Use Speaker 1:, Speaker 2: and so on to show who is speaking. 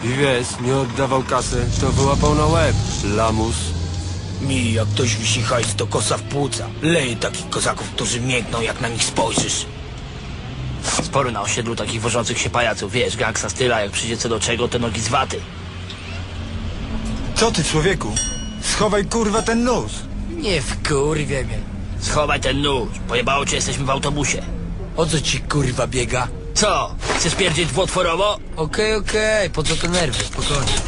Speaker 1: I wiesz, nie oddawał kasy, to wyłapał na łeb. Lamus.
Speaker 2: Mi, jak ktoś wisi hajs, to kosa w płuca. Leje takich kozaków, którzy miękną, jak na nich spojrzysz.
Speaker 3: Sporo na osiedlu takich wożących się pajaców, wiesz, gangsta styla, jak przyjdzie co do czego, to nogi z waty.
Speaker 4: Co ty, człowieku? Schowaj kurwa ten nóż.
Speaker 2: Nie wkurwie mnie.
Speaker 3: Schowaj ten nóż, pojebało cię, jesteśmy w autobusie.
Speaker 2: O co ci kurwa biega?
Speaker 3: Co? Chcesz pierdzieć dwutworowo?
Speaker 2: Okej, po co te nerwy? Spokojnie.